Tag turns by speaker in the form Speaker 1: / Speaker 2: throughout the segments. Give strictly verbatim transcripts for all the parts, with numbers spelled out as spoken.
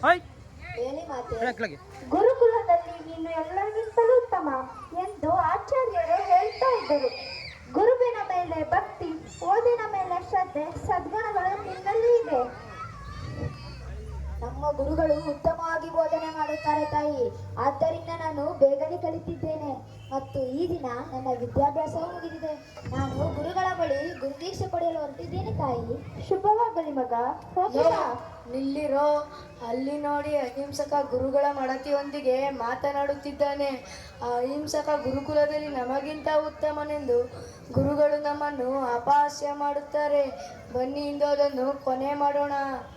Speaker 1: ಹೇಳಿ ಮಾತೆ. ಗುರುಕುಲದಲ್ಲಿ ನೀನು ಎಲ್ಲರಿಗಿಂತಲೂ ಉತ್ತಮ ಎಂದು ಆಚಾರ್ಯರು ಹೇಳ್ತಾ ಇದ್ದರು. ಗುರುವಿನ ಮೇಲೆ ಭಕ್ತಿ, ಓದಿನ ಮೇಲೆ ಶ್ರದ್ಧೆ, ಸದ್ಗುಣಗಳು ನಿನ್ನಲ್ಲಿ ಇದೆ. ನಮ್ಮ ಗುರುಗಳು ಉತ್ತಮವಾಗಿ ಬೋಧನೆ ಮಾಡುತ್ತಾರೆ ತಾಯಿ. ಆದ್ದರಿಂದ ನಾನು ಬೇಗನೆ ಕಲಿತಿದ್ದೇನೆ ಮತ್ತು ಈ ದಿನ ನನ್ನ ವಿದ್ಯಾಭ್ಯಾಸವೂ ಮುಗಿದಿದೆ. ನಾನು ಗುರುಗಳ ಬಳಿ ಗುರುದೀಕ್ಷೆ ಪಡೆಯಲು ಹೊರಟಿದ್ದೇನೆ ತಾಯಿ. ಶುಭವಾಗಲಿ ಮಗ.
Speaker 2: ನಿಲ್ಲಿರೋ, ಅಲ್ಲಿ ನೋಡಿ ಅಹಿಂಸಕ ಗುರುಗಳ ಮಡತಿಯೊಂದಿಗೆ ಮಾತನಾಡುತ್ತಿದ್ದಾನೆ. ಆ ಅಹಿಂಸಕ ಗುರುಕುಲದಲ್ಲಿ ನಮಗಿಂತ ಉತ್ತಮನೆಂದು ಗುರುಗಳು ನಮ್ಮನ್ನು ಅಪಹಾಸ್ಯ ಮಾಡುತ್ತಾರೆ. ಬನ್ನಿ ಇಂದು ಅದನ್ನು ಕೊನೆ ಮಾಡೋಣ.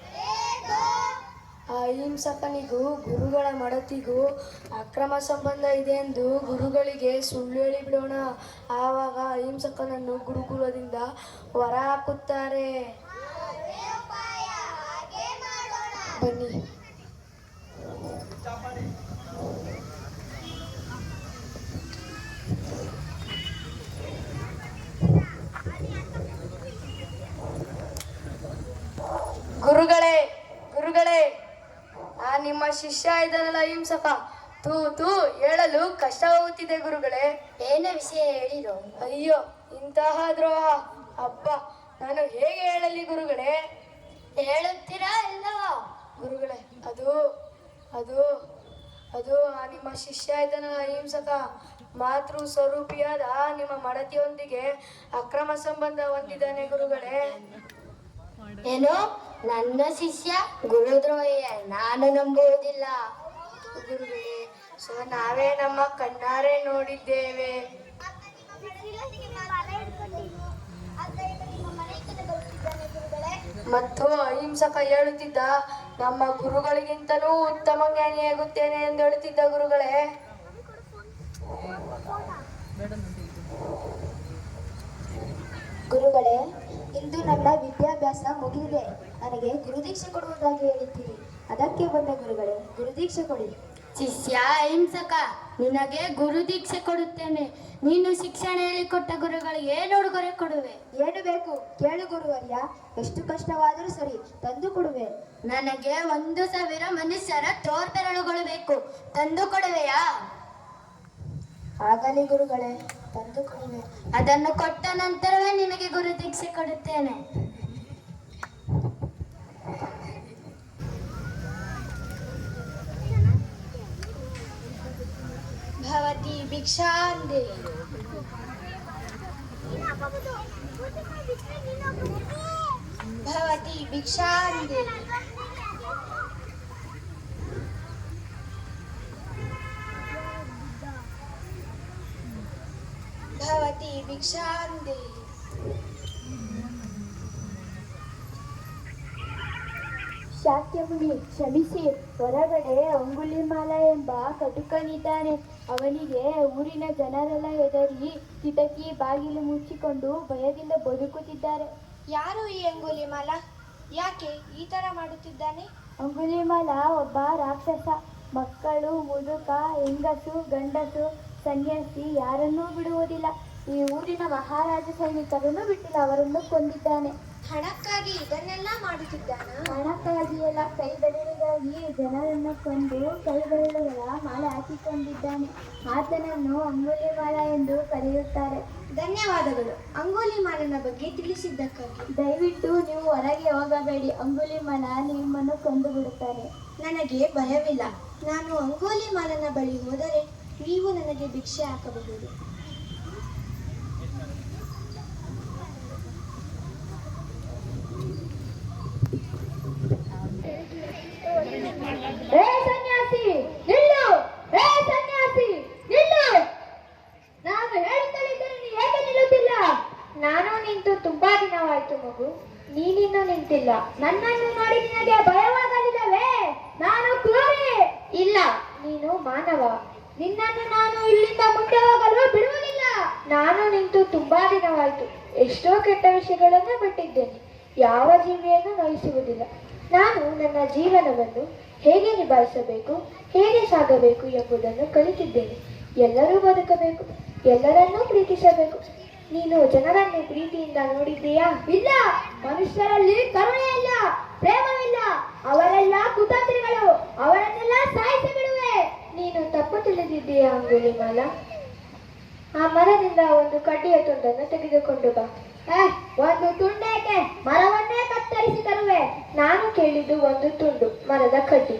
Speaker 2: ಆ ಅಹಿಂಸಕನಿಗೂ ಗುರುಗಳ ಮಡತಿಗೂ ಅಕ್ರಮ ಸಂಬಂಧ ಇದೆ ಎಂದು ಗುರುಗಳಿಗೆ ಸುಳ್ಳು ಹೇಳಿಬಿಡೋಣ. ಆವಾಗ ಅಹಿಂಸಕನನ್ನು ಗುರುಕುಲದಿಂದ ಹೊರ ಹಾಕುತ್ತಾರೆ. ಬನ್ನಿ. ಗುರುಗಳೇ ಗುರುಗಳೇ ಆ ನಿಮ್ಮ ಶಿಷ್ಯ ಇದ್ದಾನಲ್ಲ ಅಹಿಂಸಕ, ತೂ ತೂ ಹೇಳಲು ಕಷ್ಟವಾಗುತ್ತಿದೆ ಗುರುಗಳೇ.
Speaker 1: ಏನ ವಿಷಯ ಹೇಳಿರೋ?
Speaker 2: ಅಯ್ಯೋ, ಇಂತಹ ದ್ರೋಹ! ಅಬ್ಬ, ನಾನು ಹೇಗೆ ಹೇಳಲಿ ಗುರುಗಳೇ?
Speaker 1: ಹೇಳುತ್ತೀರಾ ಇಲ್ಲವೋ?
Speaker 2: ಗುರುಗಳೇ, ಅದು ಅದು ಅದು ಆ ನಿಮ್ಮ ಶಿಷ್ಯ ಇದ್ದಾನಲ್ಲ ಅಹಿಂಸಕ, ಮಾತೃ ಸ್ವರೂಪಿಯಾದ ನಿಮ್ಮ ಮಡತಿಯೊಂದಿಗೆ ಅಕ್ರಮ ಸಂಬಂಧ ಹೊಂದಿದ್ದಾನೆ ಗುರುಗಳೇ.
Speaker 1: ಏನು? ನನ್ನ ಶಿಷ್ಯ ಗುರುದ್ರೋಹಿಯ? ನಾನು ನಂಬುವುದಿಲ್ಲ
Speaker 2: ಗುರುಗಳೇ. ಸೊ ನಾವೇ ನಮ್ಮ ಕಣ್ಣಾರೆ ನೋಡಿದ್ದೇವೆ. ಮತ್ತು ಅಹಿಂಸಕ ಹೇಳುತ್ತಿದ್ದ, ನಮ್ಮ ಗುರುಗಳಿಗಿಂತಲೂ ಉತ್ತಮ ಜ್ಞಾನಿಯಾಗುತ್ತೇನೆ ಎಂದು ಹೇಳುತ್ತಿದ್ದ ಗುರುಗಳೇ.
Speaker 1: ಗುರುಗಳೇ, ಇಂದು ನನ್ನ ವಿದ್ಯಾಭ್ಯಾಸ ಮುಗಿದಿದೆ. ನನಗೆ ಗುರುದೀಕ್ಷೆ ಕೊಡುವುದಾಗಿ ಹೇಳಿದ್ದೀರಿ, ಅದಕ್ಕೆ ಬಂದ ಗುರುಗಳೇ. ಗುರುದೀಕ್ಷೆ ಕೊಡಿ.
Speaker 3: ಶಿಷ್ಯ ಅಹಿಂಸಕ, ನಿನಗೆ ಗುರುದೀಕ್ಷೆ ಕೊಡುತ್ತೇನೆ. ನೀನು ಶಿಕ್ಷಣ ಹೇಳಿಕೊಟ್ಟ ಗುರುಗಳಿಗೆ ಏನು ಉಡುಗೊರೆ ಕೊಡುವೆ?
Speaker 1: ಏನು ಬೇಕು ಕೇಳು ಗುರುವರ್ಯ. ಎಷ್ಟು ಕಷ್ಟವಾದರೂ ಸರಿ, ತಂದು ಕೊಡುವೆ.
Speaker 3: ನನಗೆ ಒಂದು ಸಾವಿರ ಮನುಷ್ಯರ ತೋರ್ಬೆರಳುಗಳು ಬೇಕು, ತಂದು ಕೊಡುವೆಯಾ?
Speaker 1: ಆಗಲಿ ಗುರುಗಳೇ, ತಂದು ಕೊಡುವೆ.
Speaker 3: ಅದನ್ನು ಕೊಟ್ಟ ನಂತರವೇ ನಿನಗೆ ಗುರುದೀಕ್ಷೆ ಕೊಡುತ್ತೇನೆ.
Speaker 1: ಭವತಿ ಭಿಕ್ಷಾಂದೆ. ಭವತಿ ಭಿಕ್ಷಾಂದೆ. ಭವತಿ ಭಿಕ್ಷಾಂದೆ. ಶಾಕ್ಯಮುನಿ, ಕ್ಷಮಿಸಿ. ಹೊರಗಡೆ ಅಂಗುಲಿಮಾಲ ಎಂಬ ಕಟುಕನಿದ್ದಾನೆ. ಅವನಿಗೆ ಊರಿನ ಜನರೆಲ್ಲ ಹೆದರಿ ಕಿಟಕಿ ಬಾಗಿಲು ಮುಚ್ಚಿಕೊಂಡು ಭಯದಿಂದ ಬದುಕುತ್ತಿದ್ದಾರೆ.
Speaker 4: ಯಾರು ಈ ಅಂಗುಲಿಮಾಲ? ಯಾಕೆ ಈ ತರ ಮಾಡುತ್ತಿದ್ದಾನೆ?
Speaker 1: ಅಂಗುಲಿಮಾಲ ಒಬ್ಬ ರಾಕ್ಷಸ. ಮಕ್ಕಳು, ಮುದುಕ, ಹೆಂಗಸು, ಗಂಡಸು, ಸನ್ಯಾಸಿ ಯಾರನ್ನೂ ಬಿಡುವುದಿಲ್ಲ. ಈ ಊರಿನ ಮಹಾರಾಜ ಸೈನಿಕರನ್ನು ಬಿಟ್ಟಿಲ್ಲ, ಅವರನ್ನು ಕೊಂದಿದ್ದಾನೆ.
Speaker 4: ಹಣಕ್ಕಾಗಿ ಇದನ್ನೆಲ್ಲ ಮಾಡುತ್ತಿದ್ದಾನ?
Speaker 1: ಹಣಕ್ಕಾಗಿ ಎಲ್ಲ, ಕೈ ಬೆರಳಿಗಾಗಿ ಜನರನ್ನು ಕೊಂದು ಕೈ ಬೆರಳುಗಳ ಮಾಲೆ ಹಾಕಿಕೊಂಡಿದ್ದಾನೆ. ಆತನನ್ನು ಅಂಗುಲಿಮಾಲ ಎಂದು ಕರೆಯುತ್ತಾರೆ.
Speaker 4: ಧನ್ಯವಾದಗಳು ಅಂಗುಲಿಮಾಲನ ಬಗ್ಗೆ ತಿಳಿಸಿದ್ದಕ್ಕಾಗಿ.
Speaker 1: ದಯವಿಟ್ಟು ನೀವು ಹೊರಗೆ ಹೋಗಬೇಡಿ, ಅಂಗುಲಿಮಾಲ ನಿಮ್ಮನ್ನು ಕೊಂದು ಬಿಡುತ್ತಾರೆ.
Speaker 4: ನನಗೆ ಭಯವಿಲ್ಲ. ನಾನು ಅಂಗುಲಿಮಾಲನ ಬಳಿ ಹೋದರೆ ನೀವು ನನಗೆ ಭಿಕ್ಷೆ ಹಾಕಬಹುದು.
Speaker 1: ಏ ಸನ್ಯಾಸಿ ನಿಲ್ಲು! ಏ ಸನ್ಯಾಸಿ ನಿಲ್ಲು! ನಾನು ಹೇಳುತ್ತಲಿದ್ದರೆ ನೀ ಹೇಗೆ ನಿಲ್ಲುತ್ತಿಲ್ಲ?
Speaker 4: ನಾನು ನಿಂತು ತುಂಬಾ ದಿನವಾಯ್ತು ಮಗು, ನೀನಿನ್ನೂ ನಿಂತಿಲ್ಲ.
Speaker 1: ನನ್ನನ್ನು ನೋಡಿ ನಿನಗೆ ಭಯವಾಗಲಿಲ್ಲವೇ? ನಾನು ಕ್ರೂರಿ.
Speaker 4: ಇಲ್ಲ, ನೀನು ಮಾನವ.
Speaker 1: ನಿನ್ನನ್ನು ನಾನು ಇಲ್ಲಿಂದ ಮುಂದೆ ಹೋಗಲು ಬಿಡುವುದಿಲ್ಲ.
Speaker 4: ನಾನು ನಿಂತು ತುಂಬಾ ದಿನವಾಯ್ತು. ಎಷ್ಟೋ ಕೆಟ್ಟ ವಿಷಯಗಳನ್ನು ಬಿಟ್ಟಿದ್ದೇನೆ. ಯಾವ ಜೀವಿಯನ್ನು ನೋಯಿಸುವುದಿಲ್ಲ. ನಾನು ನನ್ನ ಜೀವನವನ್ನು ಹೇಗೆ ನಿಭಾಯಿಸಬೇಕು, ಹೇಗೆ ಸಾಗಬೇಕು ಎಂಬುದನ್ನು ಕಲಿತಿದ್ದೇನೆ. ಎಲ್ಲರೂ ಬದುಕಬೇಕು, ಎಲ್ಲರನ್ನೂ ಪ್ರೀತಿಸಬೇಕು. ನೀನು ಜನರನ್ನು ಪ್ರೀತಿಯಿಂದ ನೋಡಿದ್ದೀಯಾ?
Speaker 1: ಇಲ್ಲ, ಮನುಷ್ಯರಲ್ಲಿ ಕರುಣೆ ಇಲ್ಲ, ಪ್ರೇಮವಿಲ್ಲ. ಅವರೆಲ್ಲ ಕುತಂತ್ರಿಗಳು.
Speaker 4: ಎಲ್ಲಿದ್ದೀಯಾ ಅಂಗುಲಿಮಾಲ? ಆ ಮರದಿಂದ ಒಂದು ಕಡ್ಡಿಯ ತುಂಡನ್ನು ತೆಗೆದುಕೊಂಡು ಬಾ.
Speaker 1: ಏ, ಒಂದು ತುಂಡೇಕೆ? ಮರವನ್ನೇ ಕತ್ತರಿಸಿ ತರುವೆ.
Speaker 4: ನಾನು ಕೇಳಿದ್ದು ಒಂದು ತುಂಡು ಮರದ ಕಡ್ಡಿ.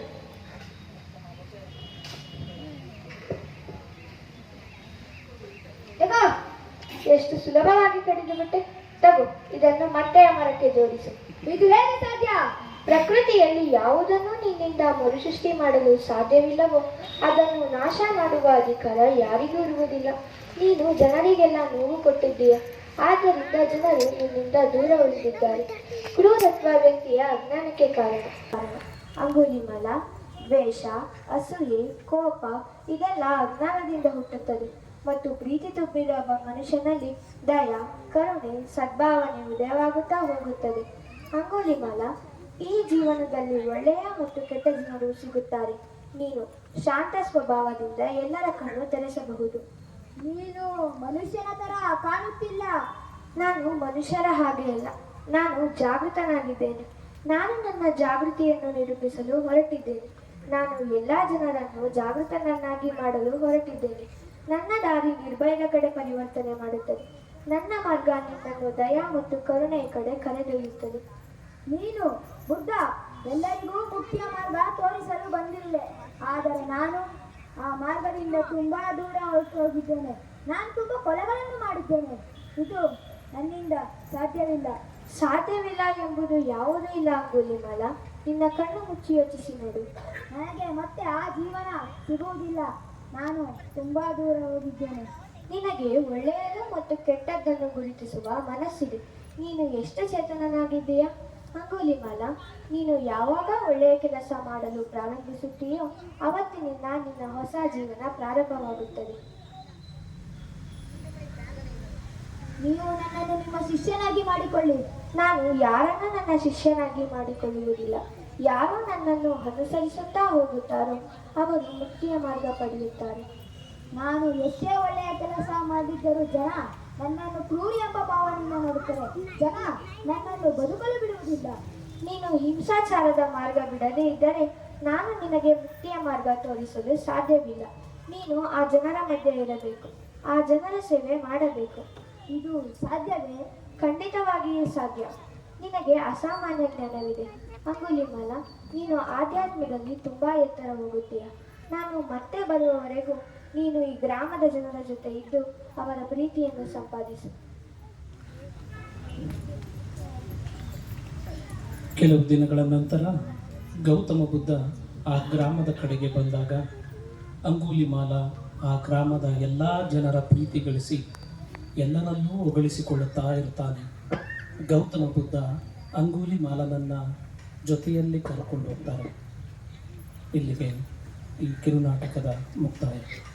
Speaker 1: ತಗೋ.
Speaker 4: ಎಷ್ಟು ಸುಲಭವಾಗಿ ಕಡಿದು ಬಿಟ್ಟೆ. ತಗೋ, ಇದನ್ನು ಮತ್ತೆ ಆ ಮರಕ್ಕೆ ಜೋಡಿಸು.
Speaker 1: ಇದು ಹೇಗೆ ಸಾಧ್ಯ?
Speaker 4: ಪ್ರಕೃತಿಯಲ್ಲಿ ಯಾವುದನ್ನು ನಿನ್ನಿಂದ ಮರುಸೃಷ್ಟಿ ಮಾಡಲು ಸಾಧ್ಯವಿಲ್ಲವೋ ಅದನ್ನು ನಾಶ ಮಾಡುವ ಅಧಿಕಾರ ಯಾರಿಗೂ ಇರುವುದಿಲ್ಲ. ನೀನು ಜನರಿಗೆಲ್ಲ ನೋವು ಕೊಟ್ಟಿದ್ದೀಯ, ಆದ್ದರಿಂದ ಜನರು ನಿನ್ನಿಂದ ದೂರ ಉಳಿದಿದ್ದಾರೆ. ಕ್ರೂರತ್ವ ವ್ಯಕ್ತಿಯ ಅಜ್ಞಾನಕ್ಕೆ ಕಾರಣ. ಅಂಗುಲಿಮಾಲ, ದ್ವೇಷ, ಅಸೂಯೆ, ಕೋಪ ಇದೆಲ್ಲ ಅಜ್ಞಾನದಿಂದ ಹುಟ್ಟುತ್ತದೆ ಮತ್ತು ಪ್ರೀತಿ ತುಂಬಿದ ಒಬ್ಬ ಮನುಷ್ಯನಲ್ಲಿ ದಯ, ಕರುಣೆ, ಸದ್ಭಾವನೆ ಉದಯವಾಗುತ್ತಾ ಹೋಗುತ್ತದೆ. ಅಂಗುಲಿಮಾಲ, ಈ ಜೀವನದಲ್ಲಿ ಒಳ್ಳೆಯ ಮತ್ತು ಕೆಟ್ಟ ಜನರು ಸಿಗುತ್ತಾರೆ. ನೀನು ಶಾಂತ ಸ್ವಭಾವದಿಂದ ಎಲ್ಲರ ಕಣ್ಣು ತೆರೆಸಬಹುದು.
Speaker 1: ನೀನು ಮನುಷ್ಯನ ತರ ಕಾಣುತ್ತಿಲ್ಲ.
Speaker 4: ನಾನು ಮನುಷ್ಯರ ಹಾಗೆ ಅಲ್ಲ, ನಾನು ಜಾಗೃತನಾಗಿದ್ದೇನೆ. ನಾನು ನನ್ನ ಜಾಗೃತಿಯನ್ನು ನಿರೂಪಿಸಲು ಹೊರಟಿದ್ದೇನೆ. ನಾನು ಎಲ್ಲ ಜನರನ್ನು ಜಾಗೃತನನ್ನಾಗಿ ಮಾಡಲು ಹೊರಟಿದ್ದೇನೆ. ನನ್ನ ದಾರಿ ನಿರ್ಭಯದ ಕಡೆ ಪರಿವರ್ತನೆ ಮಾಡುತ್ತದೆ. ನನ್ನ ಮಾರ್ಗ ನಿನ್ನನ್ನು ದಯ ಮತ್ತು ಕರುಣೆಯ ಕಡೆ ಕರೆದೊಯ್ಯುತ್ತದೆ.
Speaker 1: ನೀನು ಬುದ್ಧ ಎಲ್ಲರಿಗೂ ಮುಖ್ಯ ಮಾರ್ಗ ತೋರಿಸಲು ಬಂದಿರುವೆ. ಆದರೆ ನಾನು ಆ ಮಾರ್ಗದಿಂದ ತುಂಬಾ ದೂರ ಹೊರಟು ಹೋಗಿದ್ದೇನೆ. ನಾನು ತುಂಬಾ ಕೊಲೆಗಳನ್ನು ಮಾಡಿದ್ದೇನೆ. ಇದು ನನ್ನಿಂದ ಸಾಧ್ಯವಿಲ್ಲ.
Speaker 4: ಸಾಧ್ಯವಿಲ್ಲ ಎಂಬುದು ಯಾವುದೂ ಇಲ್ಲ ಅಂಗುಲಿಮಾಲ. ನಿನ್ನ ಕಣ್ಣು ಮುಚ್ಚಿ ಯೋಚಿಸಿ ನೋಡು.
Speaker 1: ನನಗೆ ಮತ್ತೆ ಆ ಜೀವನ ಸಿಗುವುದಿಲ್ಲ. ನಾನು ತುಂಬಾ ದೂರ ಹೋಗಿದ್ದೇನೆ.
Speaker 4: ನಿನಗೆ ಒಳ್ಳೆಯದು ಮತ್ತು ಕೆಟ್ಟದ್ದನ್ನು ಗುರುತಿಸುವ ಮನಸ್ಸಿದೆ. ನೀನು ಎಷ್ಟು ಚೇತನನಾಗಿದ್ದೀಯಾ ಅಂಗುಲಿಮಾಲ. ನೀನು ಯಾವಾಗ ಒಳ್ಳೆಯ ಕೆಲಸ ಮಾಡಲು ಪ್ರಾರಂಭಿಸುತ್ತೀಯೋ ಅವತ್ತಿನಿಂದ ನಿನ್ನ ಹೊಸ ಜೀವನ ಪ್ರಾರಂಭವಾಗುತ್ತದೆ.
Speaker 1: ನೀವು ನನ್ನನ್ನು ನಿಮ್ಮ ಶಿಷ್ಯನಾಗಿ ಮಾಡಿಕೊಳ್ಳಿ.
Speaker 4: ನಾನು ಯಾರನ್ನು ನನ್ನ ಶಿಷ್ಯನಾಗಿ ಮಾಡಿಕೊಳ್ಳುವುದಿಲ್ಲ. ಯಾರು ನನ್ನನ್ನು ಅನುಸರಿಸುತ್ತಾ ಹೋಗುತ್ತಾರೋ ಅವರು ಮುಕ್ತಿಯ ಮಾರ್ಗ ಪಡೆಯುತ್ತಾರೆ.
Speaker 1: ನಾನು ಎಷ್ಟೇ ಒಳ್ಳೆಯ ಕೆಲಸ ಮಾಡಿದ್ದರೂ ಜನ ನನ್ನನ್ನು ಕ್ರೂರಿ ಎಂಬ ಭಾವನೆಯಿಂದ ನೋಡುತ್ತಾರೆ. ಜನ ನನ್ನನ್ನು ಬದುಕಲು ಬಿಡುವುದಿಲ್ಲ.
Speaker 4: ನೀನು ಹಿಂಸಾಚಾರದ ಮಾರ್ಗ ಬಿಡದೇ ಇದ್ದರೆ ನಾನು ನಿನಗೆ ಮುಕ್ತಿಯ ಮಾರ್ಗ ತೋರಿಸಲು ಸಾಧ್ಯವಿಲ್ಲ. ನೀನು ಆ ಜನರ ಮಧ್ಯೆ ಇರಬೇಕು, ಆ ಜನರ ಸೇವೆ ಮಾಡಬೇಕು.
Speaker 1: ಇದು ಸಾಧ್ಯವೇ?
Speaker 4: ಖಂಡಿತವಾಗಿಯೂ ಸಾಧ್ಯ. ನಿನಗೆ ಅಸಾಮಾನ್ಯ ಜ್ಞಾನವಿದೆ ಅಂಗುಲಿಮಾಲ. ನೀನು ಆಧ್ಯಾತ್ಮದಲ್ಲಿ ತುಂಬಾ ಎತ್ತರ ಹೋಗುತ್ತೀಯ. ನಾನು ಮತ್ತೆ ಬರುವವರೆಗೂ ನೀನು ಈ ಗ್ರಾಮದ ಜನರ ಜೊತೆ ಇದ್ದು ಅವರ ಪ್ರೀತಿಯನ್ನು ಸಂಪಾದಿಸು.
Speaker 5: ಕೆಲವು ದಿನಗಳ ನಂತರ ಗೌತಮ ಬುದ್ಧ ಆ ಗ್ರಾಮದ ಕಡೆಗೆ ಬಂದಾಗ ಅಂಗುಲಿಮಾಲ ಆ ಗ್ರಾಮದ ಎಲ್ಲ ಜನರ ಪ್ರೀತಿ ಗಳಿಸಿ ಎಲ್ಲರನ್ನೂ ಹೊಗಳಿಸಿಕೊಳ್ಳುತ್ತಾ ಇರ್ತಾನೆ. ಗೌತಮ ಬುದ್ಧ ಅಂಗುಲಿಮಾಲನನ್ನು ಜೊತೆಯಲ್ಲಿ ಕರ್ಕೊಂಡು ಹೋಗ್ತಾರೆ. ಇಲ್ಲಿಗೆ ಈ ಕಿರುನಾಟಕದ ಮುಕ್ತಾಯ.